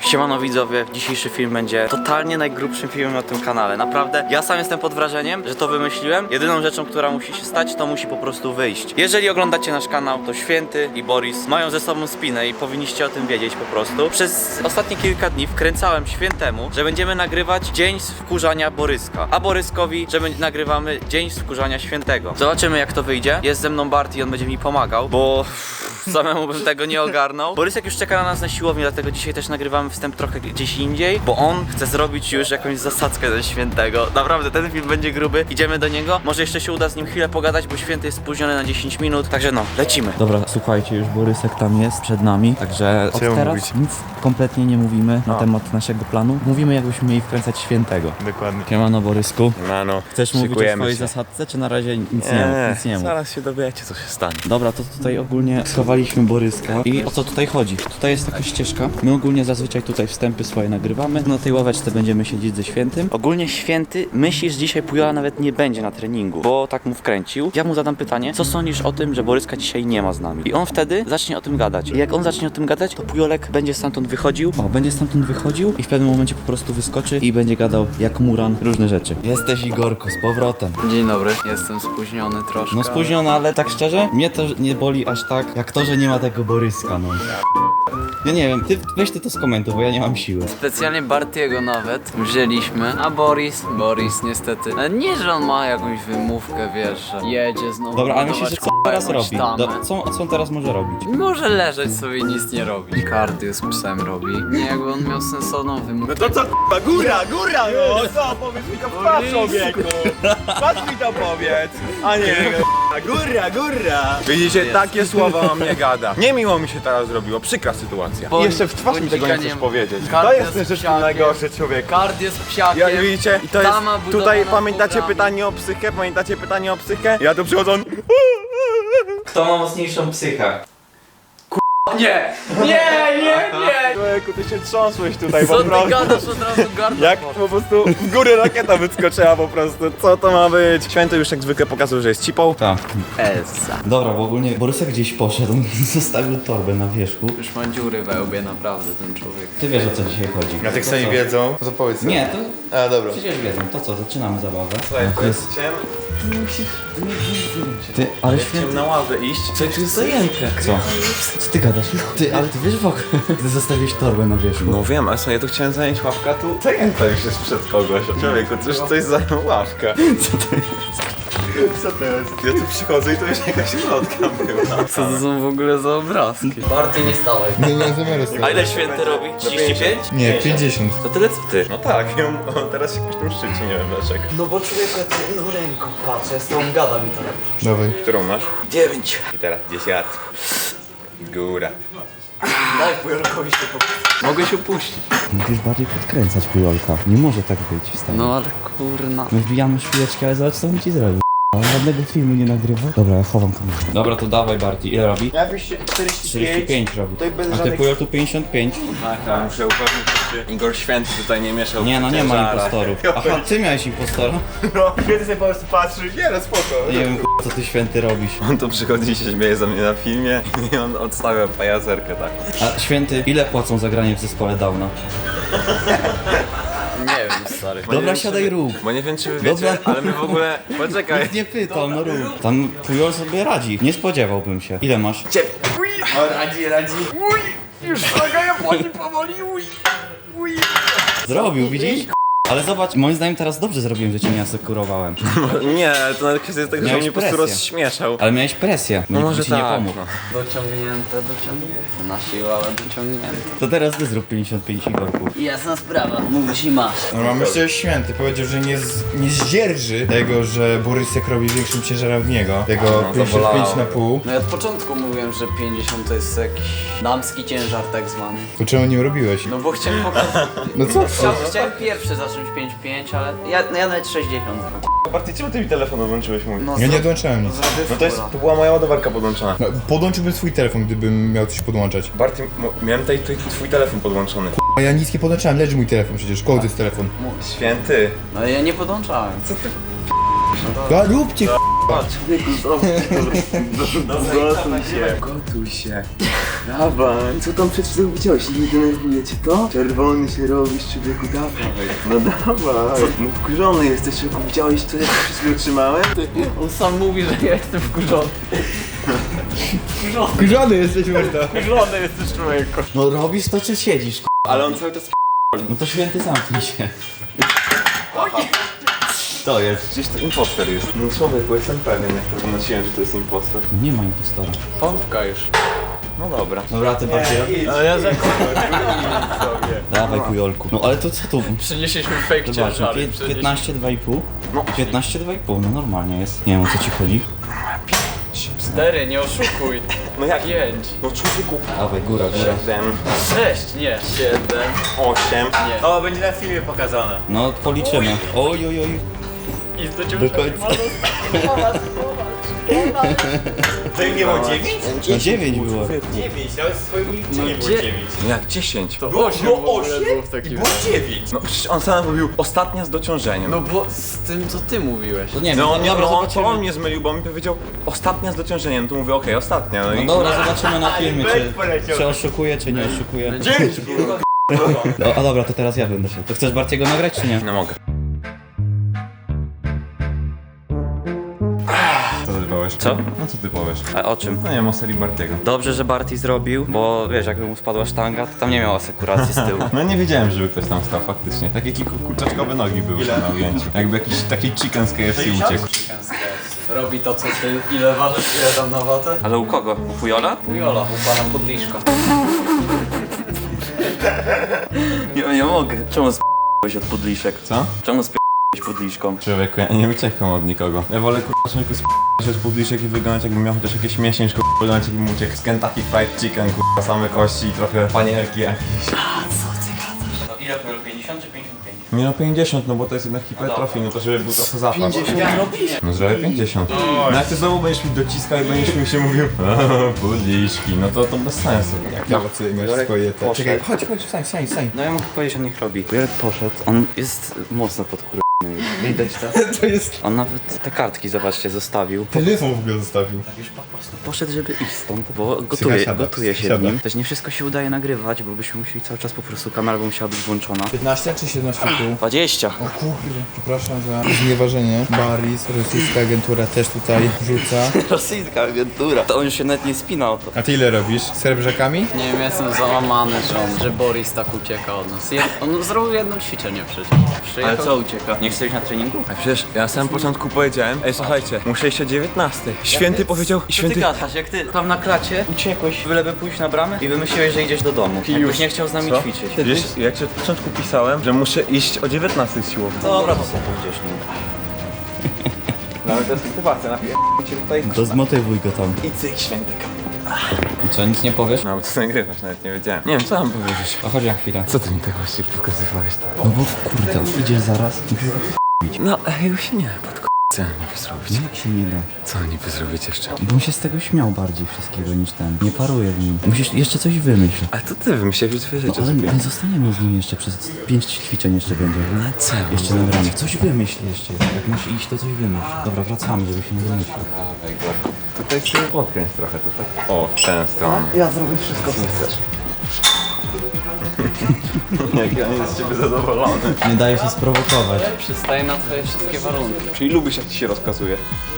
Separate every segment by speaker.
Speaker 1: Siemano widzowie, dzisiejszy film będzie totalnie najgrubszym filmem na tym kanale. Naprawdę, ja sam jestem pod wrażeniem, że to wymyśliłem. Jedyną rzeczą, która musi się stać, to musi po prostu wyjść. Jeżeli oglądacie nasz kanał, to Święty i Boris mają ze sobą spinę i powinniście o tym wiedzieć po prostu. Przez ostatnie kilka dni wkręcałem Świętemu, że będziemy nagrywać dzień z wkurzania Boryska, a Boryskowi, że nagrywamy dzień z wkurzania Świętego. Zobaczymy, jak to wyjdzie. Jest ze mną Bart i on będzie mi pomagał, bo samemu bym tego nie ogarnął. Borysek już czeka na nas na siłowni, dlatego dzisiaj też nagrywamy wstęp trochę gdzieś indziej, bo on chce zrobić już jakąś zasadzkę ze Świętego. Naprawdę, ten film będzie gruby. Idziemy do niego. Może jeszcze się uda z nim chwilę pogadać, bo Święty jest spóźniony na 10 minut. Także no, lecimy. Dobra, słuchajcie, już Borysek tam jest przed nami, także od teraz nic kompletnie nie mówimy na temat naszego planu. Mówimy, jakbyśmy mieli wkręcać Świętego.
Speaker 2: Dokładnie.
Speaker 1: Siemano, Borysku.
Speaker 2: No,
Speaker 1: Chcesz mówić o swojej zasadce, czy na razie nic nie mów?
Speaker 2: Zaraz się dowiecie, co się stanie.
Speaker 1: Dobra, to tutaj ogólnie schowaliśmy Boryska. I o co tutaj chodzi? Tutaj jest taka ścieżka. My ogólnie zazwyczaj tutaj wstępy swoje nagrywamy. Na tej ławeczce będziemy siedzieć ze Świętym. Ogólnie Święty myśli, że dzisiaj Pujola nawet nie będzie na treningu, bo tak mu wkręcił. Ja mu zadam pytanie, co sądzisz o tym, że Boryska dzisiaj nie ma z nami? I on wtedy zacznie o tym gadać. I jak on zacznie o tym gadać, to Pujolek będzie stamtąd wychodził. O, będzie stamtąd wychodził i w pewnym momencie po prostu wyskoczy i będzie gadał jak Muran różne rzeczy. Jesteś, Igorku, z powrotem.
Speaker 3: Dzień dobry, jestem spóźniony troszkę.
Speaker 1: No spóźniona, ale tak szczerze, mnie to nie boli aż tak, jak to, że nie ma tego Boryska, no. Ja nie wiem, weź ty to skomentuj, bo ja nie mam siły.
Speaker 3: Specjalnie Bartiego nawet wzięliśmy, a Boris niestety, nie, że on ma jakąś wymówkę, wiesz, że jedzie znowu.
Speaker 1: Dobra, ale myślisz, że co teraz robi?
Speaker 3: Tamę.
Speaker 1: Co on teraz może robić?
Speaker 3: Może leżeć sobie i nic nie robi. Kardio z psem robi. Nie, jakby on miał sensowną wymówkę.
Speaker 2: No to co, k***a, góra, no! Co, powiedz mi to w twarz, człowieku! Patrz mi to powiedz! A nie, góra! Widzicie, takie słowa o mnie gada. Niemiło mi się teraz zrobiło, przykra sytuacja.
Speaker 3: Bo-
Speaker 2: I jeszcze w twarz mi tego nie
Speaker 3: bądź
Speaker 2: chcesz
Speaker 3: nie-
Speaker 2: powiedzieć.
Speaker 3: Kardio
Speaker 2: To jest
Speaker 3: z
Speaker 2: ten rzecz
Speaker 3: psiakiem.
Speaker 2: najgorszy człowiek.
Speaker 3: Kardio z psiakiem.
Speaker 2: Ja, widzicie, i to jest,
Speaker 3: Tama budowana
Speaker 2: tutaj
Speaker 3: w
Speaker 2: pamiętacie
Speaker 3: programie.
Speaker 2: pytanie o psychę? Ja tu przychodzą...
Speaker 1: Kto ma mocniejszą psychę?
Speaker 3: Nie!
Speaker 2: Człowieku, ty się trząsłeś tutaj
Speaker 3: Co
Speaker 2: po
Speaker 3: ty
Speaker 2: prostu.
Speaker 3: gadasz, od razu gardło
Speaker 2: Jak
Speaker 3: poszło.
Speaker 2: po prostu w górę rakieta wyskoczyła po prostu. Co to ma być? Święty już jak zwykle pokazał, że jest cipą.
Speaker 1: Tak.
Speaker 3: Elsa.
Speaker 1: Dobra, bo ogólnie Borysek gdzieś poszedł, on zostawił torbę na wierzchu.
Speaker 3: Już ma dziury we łbie, naprawdę, ten człowiek.
Speaker 1: Ty wiesz, o co dzisiaj chodzi.
Speaker 2: A tak
Speaker 1: To
Speaker 2: sobie
Speaker 1: co?
Speaker 2: wiedzą. To powiedz.
Speaker 1: Nie, to
Speaker 2: A dobra.
Speaker 1: przecież wiedzą. To co, zaczynamy zabawę.
Speaker 2: Słuchaj, chciałem
Speaker 1: Ty, ale Święty...
Speaker 2: na ławę iść. Co tu jest zajęte?
Speaker 1: Co? Co ty gadasz? Ty, ale ty wiesz w ogóle, ty zostawiłeś torbę na wierzchu.
Speaker 2: No wiem, ale sobie ja tu chciałem zająć ławkę, a tu zajęta już jest przed kogoś. Człowieku, coś zajął ławkę.
Speaker 1: Co to jest?
Speaker 2: Co to jest? Ja tu przychodzę i to już jakaś lotka była.
Speaker 3: Co to są w ogóle za obrazki? Barty nie stałeś.
Speaker 4: Nie miałem zamiaru z tego.
Speaker 1: A ile Święty robi? 35?
Speaker 4: Nie, 50.
Speaker 1: To tyle co ty.
Speaker 2: No tak, on teraz się jakoś tam szczyci, nie wiem dlaczego.
Speaker 1: No bo człowieku, ja tu jedną ręką patrzę, ja z tą gadam i to
Speaker 4: Dawaj.
Speaker 2: Którą masz?
Speaker 1: 9.
Speaker 2: I teraz 10. Góra.
Speaker 1: Daj Pujolkowi się
Speaker 3: Mogę się puścić.
Speaker 1: Musisz bardziej podkręcać Pujolka. Nie może tak być, stary.
Speaker 3: No ale kurna.
Speaker 1: My wbijamy szpileczki, ale zobacz co on ci zrobił. On żadnego filmu nie nagrywa. Dobra, ja chowam kamerę. Dobra, to dawaj Barty. Ile robi?
Speaker 2: Ja byś 45.
Speaker 1: 45 robi.
Speaker 2: Tutaj bez
Speaker 1: A ty
Speaker 2: żadnych...
Speaker 1: Pujol tu 55.
Speaker 2: Tak, muszę upewnić się, czy Igor Święty tutaj nie mieszał.
Speaker 1: Nie no, nie ma
Speaker 2: ciężarach.
Speaker 1: impostorów. Aha, ty miałeś impostora?
Speaker 2: No, kiedy sobie po prostu patrzysz, nie no spoko.
Speaker 1: Nie wiem co ty Święty robisz.
Speaker 2: On tu przychodzi i się śmieje za mnie na filmie i on odstawia pajacerkę tak.
Speaker 1: A Święty, ile płacą za granie w zespole Downa?
Speaker 3: Nie wiem, stary.
Speaker 2: Bo nie
Speaker 1: Dobra,
Speaker 2: wiem,
Speaker 1: siadaj
Speaker 2: czy wy-
Speaker 1: rób.
Speaker 2: Bo nie wiem czy wy wiecie,
Speaker 1: Dobra.
Speaker 2: ale my w ogóle... Poczekaj.
Speaker 1: Nikt nie pytał, no rób. Tam Pujol sobie radzi. Nie spodziewałbym się. Ile masz?
Speaker 2: Radzi.
Speaker 1: Zrobił, widzisz? Ale zobacz, moim zdaniem teraz dobrze zrobiłem, że cię nie asekurowałem.
Speaker 2: Nie, to nawet kwestia jest tego, że
Speaker 1: Miałeś
Speaker 2: mnie po prostu
Speaker 1: presję.
Speaker 2: rozśmieszał.
Speaker 1: Ale miałeś presję.
Speaker 2: No może
Speaker 1: ci nie
Speaker 2: tak,
Speaker 1: pomógł.
Speaker 2: no.
Speaker 3: Dociągnięte. Na siłę, ale dociągnięte.
Speaker 1: To teraz ty zrób 55 Igorku.
Speaker 3: Jasna sprawa, mówisz i masz.
Speaker 4: No myślę, że Święty powiedział, że nie zdzierży tego, że Borysek robi większym ciężarem od niego. Tego
Speaker 2: No,
Speaker 4: 55
Speaker 2: zabolało.
Speaker 4: na pół.
Speaker 3: No ja od początku mówiłem, że 50 to jest jakiś damski ciężar tak zwany.
Speaker 4: To czemu nie robiłeś?
Speaker 3: No bo chciałem pokazać.
Speaker 4: No co?
Speaker 3: Chciałem pierwszy zacząć 5-5, ale ja nawet 60 zrobię.
Speaker 2: Barty, czemu ty mi telefon odłączyłeś mój?
Speaker 3: No,
Speaker 4: Ja nie odłączałem nic.
Speaker 2: No to była moja ładowarka podłączona.
Speaker 4: No, podłączyłbym swój telefon, gdybym miał coś podłączać.
Speaker 2: Barty, miałem tutaj twój telefon podłączony.
Speaker 4: A ja nic nie podłączałem, leży mój telefon przecież. Koło to jest telefon.
Speaker 2: Święty.
Speaker 3: No ja nie podłączałem. Co ty?
Speaker 4: No róbcie
Speaker 2: Gotuj się. Dawaj, co tam przed chwilą widziałeś? Nie denerwuje cię to? Czerwony się robisz, człowieku, dawaj. No dawaj. No wkurzony jesteś, człowieku, widziałeś co ja przed chwilą trzymałem?
Speaker 3: On sam mówi, że ja jestem wkurzony.
Speaker 4: Kurzony jesteś, mordo.
Speaker 3: Wkurzony jesteś, człowieku.
Speaker 1: No robisz to czy siedzisz?
Speaker 2: Ale on cały czas
Speaker 1: No to święty zamknij się.
Speaker 2: to jest. Gdzieś to impostor jest. No człowieku, jestem pewien, jak to wynosiłem, że to jest impostor.
Speaker 1: Nie ma impostora.
Speaker 3: Pompka już.
Speaker 2: No dobra.
Speaker 1: Dobra, ty bardziej.
Speaker 2: Ale ja zakładam sobie.
Speaker 1: Dawaj kujolku. No ale to co tu?
Speaker 3: Przynieśliśmy fake
Speaker 1: Zobacz, no,
Speaker 3: ciężary.
Speaker 1: 15, 2,5.
Speaker 2: No.
Speaker 1: 15, 2,5, no normalnie jest. Nie wiem o co ci chodzi.
Speaker 3: 4, nie oszukuj.
Speaker 2: No jak?
Speaker 3: 5.
Speaker 2: No człowieku.
Speaker 1: Dawaj, góra, góra.
Speaker 2: 7,
Speaker 3: 6, nie. 7.
Speaker 2: 8.
Speaker 3: Nie.
Speaker 2: O, będzie na filmie pokazane.
Speaker 1: No policzymy. Oj, oj, oj.
Speaker 3: I do ciebie
Speaker 1: Do końca.
Speaker 2: To nie było 9?
Speaker 1: No 9 było.
Speaker 2: 9, nawet w swoim liczeniu nie było 9. No jak 10?
Speaker 3: To 8
Speaker 2: było
Speaker 3: było w takim
Speaker 2: Było 9. No przecież on sam mówił ostatnia z dociążeniem.
Speaker 3: No bo z tym co ty mówiłeś.
Speaker 1: To nie wiem,
Speaker 2: No,
Speaker 1: dobra,
Speaker 2: to
Speaker 1: zobaczymy.
Speaker 2: on mnie zmylił, bo mi powiedział ostatnia z dociążeniem. No to mówię, okej, ostatnia. No,
Speaker 1: No
Speaker 2: i...
Speaker 1: dobra, zobaczymy na filmie, czy oszukuje, czy nie oszukuje.
Speaker 2: 9 było.
Speaker 1: No, a dobra, to teraz ja będę się. To chcesz Bartiego nagrać, czy nie?
Speaker 2: No mogę. Co ty powiesz?
Speaker 1: Co?
Speaker 2: No co ty powiesz?
Speaker 1: A o czym?
Speaker 2: No nie wiem, o serii Bartiego.
Speaker 1: Dobrze, że Barty zrobił, bo wiesz, jakby mu spadła sztanga, to tam nie miał asekuracji z tyłu.
Speaker 2: No nie wiedziałem, żeby ktoś tam stał faktycznie. Takie kurczaczkowe nogi były na ujęciu. Jakby jakiś taki chicken z KFC uciekł.
Speaker 3: Robi to co ty. Ile ważysz? Ile tam na watę?
Speaker 1: Ale u kogo? U Pujola?
Speaker 3: Jola, u pana podliszka.
Speaker 1: Nie mogę. Czemu sp***ałeś od podliszek?
Speaker 2: Co?
Speaker 1: Czemu sp***ałeś podliszką?
Speaker 2: Człowieku, ja nie uciekam od nikogo. Ja wolę człowieku z publiczek i wyglądać jakbym miał chociaż jakieś miesięczko, wyglądać jakbym uciekł z Kentucky Fried Chicken, same kości i trochę panierki jakieś.
Speaker 1: No ile to 50 czy 55?
Speaker 2: Nie no 50, no bo to jest jednak hipertrofii, no to żeby był trochę zapas.
Speaker 1: 50 robisz?
Speaker 2: No zrobię 50. No jak ty znowu będziesz mi dociskał i będziesz mi się mówił buliszki, no to bez sensu.
Speaker 4: Jak nawet sobie masz swoje te...
Speaker 1: Poszedł.
Speaker 4: Czekaj, chodź, stań.
Speaker 1: No ja mogę powiedzieć, że niech robi. Jarek poszedł, on jest mocno podkurwany. Widać to?
Speaker 4: To jest...
Speaker 1: On nawet te kartki, zobaczcie, zostawił.
Speaker 4: Telefon w ogóle zostawił.
Speaker 1: Już po prostu poszedł, żeby iść stąd, bo
Speaker 4: Psycha
Speaker 1: gotuje się
Speaker 4: siada.
Speaker 1: w nim. Też nie wszystko się udaje nagrywać, bo byśmy musieli cały czas po prostu, kamera by musiała być włączona.
Speaker 4: 15 czy 17,5?
Speaker 1: 20!
Speaker 4: O kurde, przepraszam za znieważenie. Baris, rosyjska agentura też tutaj rzuca.
Speaker 1: Rosyjska agentura. To on już się nawet nie spinał. To.
Speaker 4: A ty ile robisz? Z srebrzakami?
Speaker 3: Nie wiem, jestem załamany, że Boris tak ucieka od nas. On zrobił jedno ćwiczenie przecież. Przyjechał.
Speaker 1: Ale co ucieka? Nie chcesz iść na treningu?
Speaker 2: A przecież ja na samym początku powiedziałem, ej słuchajcie, muszę iść o 19. Święty powiedział,
Speaker 1: Co ty
Speaker 2: święty...
Speaker 1: gadasz? Jak ty tam na klacie uciekłeś, byleby pójść na bramę i wymyśliłeś, że idziesz do domu. Jakbyś nie chciał z nami
Speaker 2: Co?
Speaker 1: ćwiczyć.
Speaker 2: Wiesz, jak ci od początku pisałem, że muszę iść o 19 z siłowni.
Speaker 1: Dobra, to sobie pójdziesz nim.
Speaker 2: Nawet to jest motywacja, cię tutaj...
Speaker 1: To zmotywuj go tam.
Speaker 2: I cyk, święty.
Speaker 1: Co, nic nie powiesz?
Speaker 2: No bo to nagrywasz, nawet nie wiedziałem. Nie wiem, co mam powiedzieć.
Speaker 1: A chodź na chwilę.
Speaker 2: Co ty mi tak właściwie pokazywałeś?
Speaker 1: No bo kurde, idziesz zaraz.
Speaker 2: No, jego się nie da co niby zrobić?
Speaker 1: Jak się nie da?
Speaker 2: Co niby zrobić jeszcze?
Speaker 1: Bo on się z tego śmiał bardziej wszystkiego niż ten. Nie paruje w nim. Musisz jeszcze coś wymyśl.
Speaker 2: Ale to ty wymyśliłeś już dwie rzeczy
Speaker 1: Ale
Speaker 2: sobie.
Speaker 1: nie zostaniemy z nim jeszcze przez 5 ćwiczeń jeszcze będzie.
Speaker 2: No co?
Speaker 1: Jeszcze nagramy. Coś wymyśl jeszcze. Jak masz iść, to coś wymyśl. Dobra, wracamy, żeby się nie wymyślił.
Speaker 2: Tutaj sobie podkręć trochę to tak. O, w tę stronę.
Speaker 1: Ja zrobię wszystko, co chcesz.
Speaker 2: Jak ja nie jest z ciebie zadowolony.
Speaker 1: Nie daje się sprowokować.
Speaker 3: Przystaje na twoje wszystkie warunki.
Speaker 2: Czyli lubisz jak ci się rozkazuje.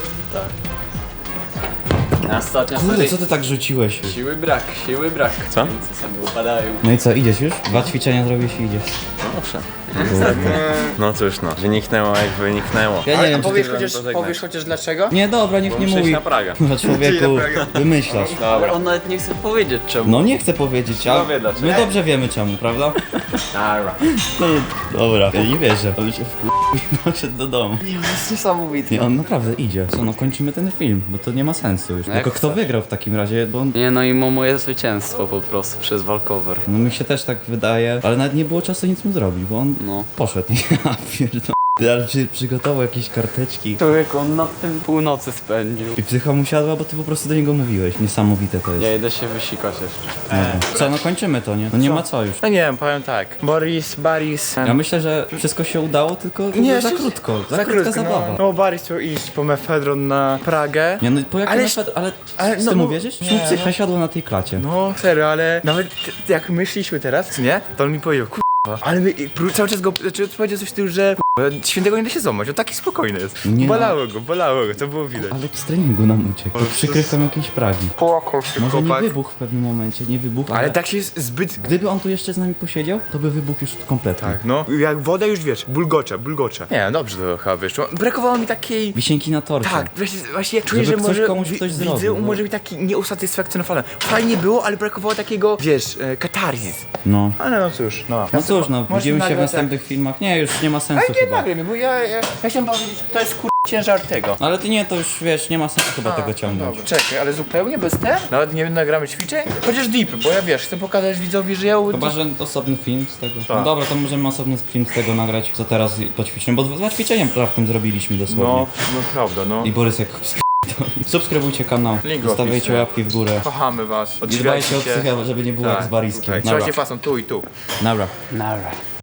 Speaker 3: Ostatnia
Speaker 1: Kurde,
Speaker 3: seria.
Speaker 1: co ty tak rzuciłeś?
Speaker 3: Siły brak.
Speaker 2: Co?
Speaker 3: Co sobie upadają.
Speaker 1: No i co, idziesz już? 2 ćwiczenia zrobisz i idziesz.
Speaker 2: No dobrze. No cóż no, wyniknęło jak wyniknęło.
Speaker 1: Ja nie wiem, czy
Speaker 4: Powiesz
Speaker 1: ty...
Speaker 4: chociaż, powiesz chociaż dlaczego?
Speaker 1: Nie, dobra, niech nie
Speaker 2: Muszę iść
Speaker 1: mówi.
Speaker 2: na Pragę.
Speaker 1: No człowieku, wymyślasz.
Speaker 3: Ale on nawet nie chce powiedzieć czemu.
Speaker 1: No nie chcę powiedzieć, a
Speaker 2: wie dlaczego.
Speaker 1: my dobrze wiemy czemu, prawda?
Speaker 2: Dobra.
Speaker 1: No, dobra. Ja nie wierzę, on się i poszedł do domu.
Speaker 3: To jest niesamowite.
Speaker 1: Nie, on naprawdę idzie. Co, no kończymy ten film, bo to nie ma sensu już.
Speaker 3: Jak
Speaker 1: Tylko kto
Speaker 3: chcesz.
Speaker 1: wygrał w takim razie, bo on...
Speaker 3: Nie no i moje zwycięstwo po prostu przez walkover.
Speaker 1: No mi się też tak wydaje, ale nawet nie było czasu nic mu zrobić, bo on
Speaker 3: No.
Speaker 1: poszedł. Ja pierdolę.
Speaker 4: Ty, ale przygotował jakieś karteczki.
Speaker 3: Człowiek, on na tym północy spędził.
Speaker 4: I psycha mu siadła, bo ty po prostu do niego mówiłeś. Niesamowite to jest.
Speaker 3: Ja idę się wysikać jeszcze.
Speaker 4: Dobra. Co, no kończymy to, nie? No nie ma co już.
Speaker 2: No nie wiem, powiem tak. Boris.
Speaker 4: Ja myślę, że wszystko się udało, tylko
Speaker 2: Nie,
Speaker 4: za
Speaker 2: się-
Speaker 4: krótko. Za krótka zabawa.
Speaker 2: No Boris chciał iść po mefedron na Pragę.
Speaker 4: Nie, no po jakim
Speaker 2: Ale-
Speaker 4: ale
Speaker 2: no
Speaker 4: z tym
Speaker 2: bo-
Speaker 4: uwierzysz?
Speaker 2: nie,
Speaker 4: Czemu psycha
Speaker 2: no.
Speaker 4: siadła na tej klacie?
Speaker 2: No serio, ale nawet jak myśleliśmy teraz, nie? To on mi powiedział, ale my cały czas go, znaczy powiedział coś w tym, że świętego nie da się złamać, on taki spokojny jest.
Speaker 4: Nie, no.
Speaker 2: Bolało go, to było widać.
Speaker 4: Ale z treningu nam uciekł. Pod przykrywką jakiejś Pragi.
Speaker 2: Płakał się
Speaker 4: Może nie
Speaker 2: chłopak.
Speaker 4: wybuchł w pewnym momencie, nie wybuchł,
Speaker 2: Ale tak się jest zbyt...
Speaker 4: Gdyby on tu jeszcze z nami posiedział, to by wybuchł już kompletnie.
Speaker 2: Tak, no. Jak woda już wiesz, bulgocze. Nie, dobrze to chyba wyszło. Brakowało mi takiej...
Speaker 4: Wisienki na torcie.
Speaker 2: Tak, właśnie czuję,
Speaker 4: Żeby
Speaker 2: że
Speaker 4: ktoś
Speaker 2: może
Speaker 4: komuś coś
Speaker 2: widzę,
Speaker 4: zrobił, no.
Speaker 2: może być taki nieusatysfakcjonowany. Fajnie było, ale brakowało takiego, wiesz, katarzis.
Speaker 4: No.
Speaker 2: Ale no cóż, no.
Speaker 4: No cóż, no,
Speaker 2: Możesz
Speaker 4: widzimy się w
Speaker 2: nagrać,
Speaker 4: następnych filmach. Nie, już nie ma sensu
Speaker 2: Ale nie
Speaker 4: chyba.
Speaker 2: nagraj mnie, bo ja chciałem powiedzieć, to jest ciężar tego.
Speaker 4: Ale ty nie, to już wiesz, nie ma sensu chyba tego ciągnąć.
Speaker 2: Dobra, czekaj, ale zupełnie bez ten? Nawet nie nagramy ćwiczeń? Chociaż deepy, bo ja wiesz, chcę pokazać widzowi, że ja...
Speaker 4: Chyba, że osobny film z tego. No dobra, to możemy osobny film z tego nagrać, co teraz poćwiczymy, bo dwa ćwiczenia raptem zrobiliśmy dosłownie.
Speaker 2: No prawda, no.
Speaker 4: I Borys jak subskrybujcie kanał,
Speaker 2: Link w
Speaker 4: zostawiajcie
Speaker 2: opisie.
Speaker 4: łapki w górę.
Speaker 2: Kochamy was,
Speaker 4: I dbajcie o
Speaker 2: odżywiajcie się.
Speaker 4: psychę, żeby nie było jak z Bariskiem.
Speaker 2: Trzymajcie fason tu i tu.
Speaker 4: Dobra.
Speaker 3: Nara.